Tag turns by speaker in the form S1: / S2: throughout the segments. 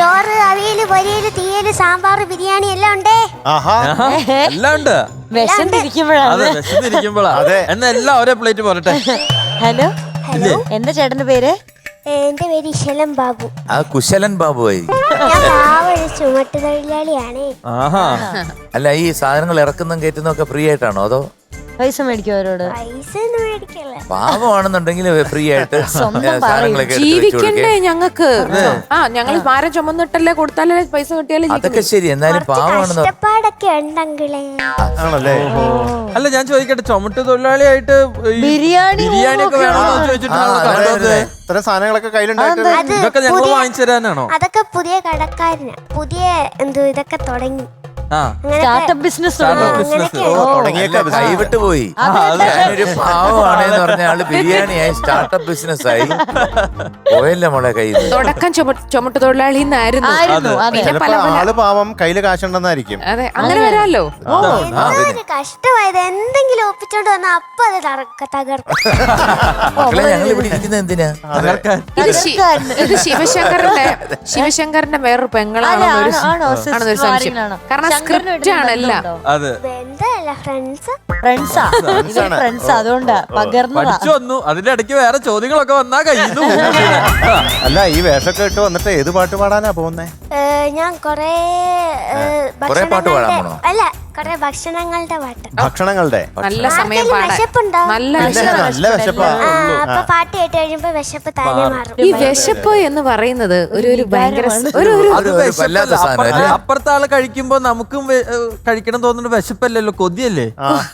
S1: ചോറ്, അവിയല്, പൊരിയല്, തീയല്, സാമ്പാർ, ബിരിയാണി എല്ലാം ഉണ്ടേ.
S2: എല്ലാം ഉണ്ട്.
S3: വിശന്നിരിക്കുമ്പോഴാണ്.
S2: എന്നാ എല്ലാം ഒരേ പ്ലേറ്റ് പോരട്ടെ.
S3: ഹലോ എന്താ ചേട്ടന്റെ പേര്?
S1: എന്റെ പേര് ഇശലം ബാബു.
S4: കുശലൻ ബാബു ആയി.
S1: ഞാൻ പാവൊരു ചുമട്ടുതൊഴിലാളിയാണ്.
S4: അല്ല, ഈ സാധനങ്ങൾ ഇറക്കുന്നതും കയറ്റുന്നതും ഒക്കെ ഫ്രീ ആയിട്ടാണോ അതോ
S3: പൈസ മേടിക്കും അവരോട്?
S1: പൈസ ഒന്നും മേടിക്കല്ല.
S4: പാവമാണെന്നുണ്ടെങ്കിൽ ഫ്രീ ആയിട്ട് സാധനങ്ങളൊക്കെ
S5: ജീവിക്കണ്ടേ ഞങ്ങൾക്ക്? ഞങ്ങൾ ഭാരം ചുമന്നിട്ടല്ലേ കൊടുത്താലേ പൈസ കിട്ടിയാലേ.
S4: അതൊക്കെ ശരി, എന്നാലും പാവമാണെന്ന്.
S1: കഷ്ടപ്പാടൊക്കെ ഉണ്ടെങ്കിലേ.
S4: ആണല്ലേ?
S2: അല്ല, ഞാൻ ചോദിക്കട്ടെ, ചുമട്ട് തൊഴിലാളിയായിട്ട്
S3: ബിരിയാണി
S2: ഒക്കെ വേണമെന്ന് ചോദിച്ചിട്ട്
S6: ഇത്തരം സാധനങ്ങളൊക്കെ കയ്യിലുണ്ടായിട്ട്
S2: ഇതൊക്കെ ഞങ്ങൾ വാങ്ങിച്ചു തരാനാണോ?
S1: അതൊക്കെ പുതിയ കടക്കാരന് പുതിയ ഇതൊക്കെ തുടങ്ങി.
S3: സ്റ്റാർട്ടപ്പ് ബിസിനസ്
S4: കൈവിട്ട് പോയി. ഞാനൊരു പാവമാണെന്ന് പറഞ്ഞ ആള് ബിരിയാണിയായി സ്റ്റാർട്ടപ്പ് ബിസിനസ് ആയി പോയല്ലേ മോളെ കയ്യിൽ.
S5: തുടക്കം ചുമട്ട് തൊഴിലാളി
S6: ആള് പാവം, കയ്യില് കാശുണ്ടെന്നായിരിക്കും.
S5: അതെ, അങ്ങനെ വരാമല്ലോ.
S1: കഷ്ടമായത് എന്തെങ്കിലും ഒപ്പിച്ചോണ്ട് വന്നാ അപ്പൊ അത് തകർക്കും.
S4: ഞങ്ങൾ ഇവിടെ ഇരിക്കുന്നത് എന്തിനാ?
S5: ഇത് ശിവശങ്കറിന്റെ വേറൊരു പെങ്ങളാണെന്നൊരു സംശയം. കാരണം സ്ക്രിപ്റ്റ് ആണല്ല.
S3: ഫ്രണ്ട്സാ, അതുകൊണ്ടാ പകർന്നതാ.
S2: അതിന്റെ ഇടയ്ക്ക് വേറെ ചോദ്യങ്ങളൊക്കെ വന്നാ കഴിയുന്നു.
S6: അല്ല, ഈ വേഷമൊക്കെ ഇട്ട് വന്നിട്ട് ഏത് പാട്ട് പാടാനാ പോകുന്നേ?
S1: ഞാൻ കൊറേ
S4: പാട്ട് പാടാൻ പോണോ?
S1: അല്ല, കൊറേ ഭക്ഷണങ്ങളുടെ പാട്ട്.
S6: ഭക്ഷണങ്ങളുടെ
S5: നല്ല സമയം
S1: വിശപ്പുണ്ടോ?
S5: നല്ല
S6: വിശപ്പാ.
S1: അപ്പൊ പാട്ട് കേട്ട് കഴിയുമ്പോ വിശപ്പ് താനെ മാറും.
S5: ഈ വിശപ്പ് എന്ന് പറയുന്നത് ഒരു ഭയങ്കര
S2: അപ്പുറത്തെ ആള് കഴിക്കുമ്പോ നമുക്കും കഴിക്കണം തോന്നുന്ന വിശപ്പല്ലല്ലോ, കൊതിയല്ലേ?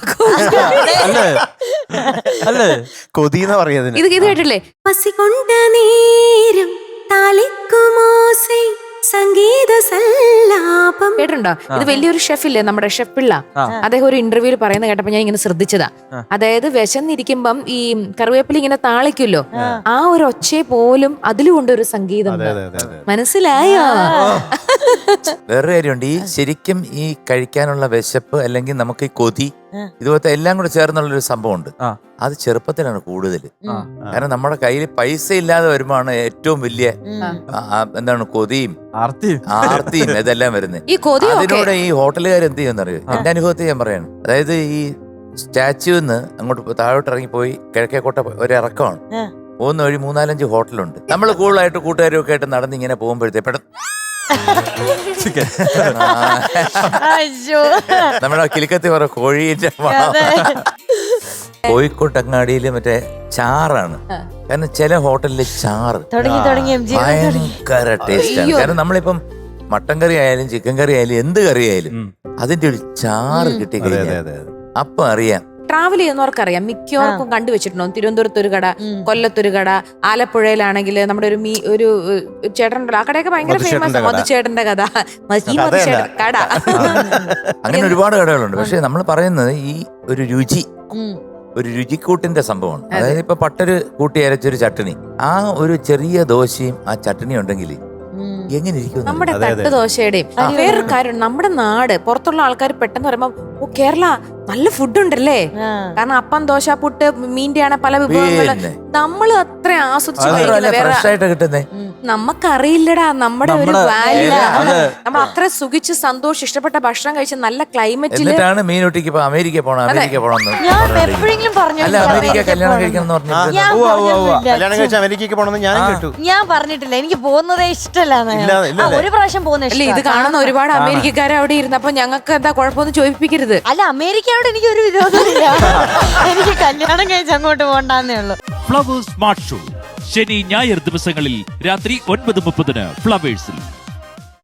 S2: അല്ലേ?
S6: കൊതി എന്ന് പറയുന്നത്
S5: ഇത് കേട്ടില്ലേ?
S7: പസികൊണ്ട നേരം താലിക്കുമോസൈ സംഗീത സല്ലാപം
S5: കേട്ടിട്ടുണ്ടോ? ഇത് വലിയൊരു ഷെഫില്ലേ, നമ്മുടെ ഷെഫ് പിള്ള, അദ്ദേഹം ഒരു ഇന്റർവ്യൂവിൽ പറയുന്ന കേട്ടപ്പോ ഞാൻ ഇങ്ങനെ ശ്രദ്ധിച്ചതാ. അതായത് വിശന്നിരിക്കുമ്പം ഈ കറിവേപ്പില ഇങ്ങനെ താളിക്കുമല്ലോ, ആ ഒരു ഒച്ചയെ പോലും അതിലുകൊണ്ട് ഒരു സംഗീതം. മനസ്സിലായോ?
S4: വേറൊരു കാര്യമുണ്ട്. ഈ ശരിക്കും ഈ കഴിക്കാനുള്ള വിശപ്പ് അല്ലെങ്കിൽ നമുക്ക് ഈ കൊതി ഇതുപോലത്തെ എല്ലാം കൂടെ ചേർന്നുള്ളൊരു സംഭവമുണ്ട്. അത് ചെറുപ്പത്തിലാണ് കൂടുതൽ. കാരണം നമ്മുടെ കയ്യിൽ പൈസ ഇല്ലാതെ വരുമ്പോഴാണ് ഏറ്റവും വലിയ എന്താണ് കൊതിയും ആർത്തിയും ഇതെല്ലാം വരുന്നത്. അതിനോട് ഈ ഹോട്ടലുകാർ എന്ത് ചെയ്യുമെന്നറിയോ? എന്റെ അനുഭവത്തിൽ ഞാൻ പറയാണ്. അതായത് ഈ സ്റ്റാച്യൂന്ന് അങ്ങോട്ട് താഴോട്ട് ഇറങ്ങിപ്പോയി കിഴക്കേക്കോട്ട ഒരു ഇറക്കമാണ്. പോകുന്ന വഴി 3-4 ഹോട്ടലുണ്ട്. നമ്മൾ കൂടുതലായിട്ട് കൂട്ടുകാരും ഒക്കെ ആയിട്ട് നടന്ന് ഇങ്ങനെ പോകുമ്പോഴത്തേ നമ്മുടെ കിലുക്കത്തി പറ കോഴീന്റെ കോഴിക്കോട്ടങ്ങാടിയില് മറ്റേ ചാറാണ്. കാരണം ചില ഹോട്ടലില് ചാറ് ഭയങ്കര ടേസ്റ്റാണ്. കാരണം നമ്മളിപ്പം മട്ടൻ കറി ആയാലും ചിക്കൻ കറി ആയാലും എന്ത് കറി ആയാലും അതിന്റെ ഒരു ചാറ് കിട്ടി കഴിഞ്ഞാൽ അപ്പൊ അറിയാം.
S5: ട്രാവൽ ചെയ്യുന്നവർക്കറിയാം, മിക്കവർക്കും കണ്ടുവച്ചിട്ടുണ്ടോ? തിരുവനന്തപുരത്തൊരു കട, കൊല്ലത്തൊരു കട, ആലപ്പുഴയിലാണെങ്കിൽ നമ്മുടെ ഒരു ചേട്ടനുണ്ടല്ലോ, ആ കടയൊക്കെ ഭയങ്കര ഫേമസ്. മധുചേട്ടന്റെ കട.
S4: അങ്ങനെ ഒരുപാട് കടകളുണ്ട്. പക്ഷെ നമ്മൾ പറയുന്നത് ഈ ഒരു രുചിക്കൂട്ടിന്റെ സംഭവമാണ്. അതായത് ഇപ്പൊ പട്ടര് കൂട്ടി അരച്ചൊരു ചട്ടണി, ആ ഒരു ചെറിയ ദോശയും ആ ചട്ടണി ഉണ്ടെങ്കിൽ എങ്ങനെ ഇരിക്കും
S5: നമ്മുടെ തട്ട് ദോശയുടെയും. വേറൊരു കാര്യം, നമ്മുടെ നാട് പുറത്തുള്ള ആൾക്കാർ പെട്ടെന്ന് പറയുമ്പോ ഓ കേരള നല്ല ഫുഡ് ഉണ്ടല്ലേ. കാരണം അപ്പം, ദോശ, പുട്ട്, മീൻ്റെ ആണ് പല വിഭവങ്ങള് നമ്മൾ അത്ര ആസ്വദിച്ച്
S4: കഴിക്കുന്നത്.
S5: നമുക്കറിയില്ലടാ നമ്മുടെ ഒരു വാല്യൂ. നമ്മൾ അത്ര സുഖിച്ച് സന്തോഷം ഇഷ്ടപ്പെട്ട ഭക്ഷണം കഴിച്ച് നല്ല ക്ലൈമറ്റില്
S4: മീനൊട്ടിക്ക് അമേരിക്ക പോണം
S3: ഞാൻ എപ്പോഴെങ്കിലും പറഞ്ഞു ഞാൻ പറഞ്ഞിട്ടില്ല. എനിക്ക് പോകുന്നതേ ഇഷ്ടമല്ല. ഒരു പ്രാവശ്യം പോകുന്ന.
S5: ഇത് കാണുന്ന ഒരുപാട് അമേരിക്കക്കാരെ അവിടെ ഇരുന്നപ്പോ ഞങ്ങൾക്ക് എന്താ കുഴപ്പമൊന്നും ചോദിപ്പിക്കരുത്.
S3: അല്ല, അമേരിക്കയോട് എനിക്ക് ഒരു വിരോധമില്ല. എനിക്ക് കല്യാണം കഴിച്ച് അങ്ങോട്ട് പോകണ്ടെന്നേ ഉള്ളൂ.
S8: ഫ്ലവേഴ്സ് സ്മാർട്ട് ഷോ ശനി ഞായർ ദിവസങ്ങളിൽ രാത്രി 9:30 ഫ്ലവേഴ്സിൽ.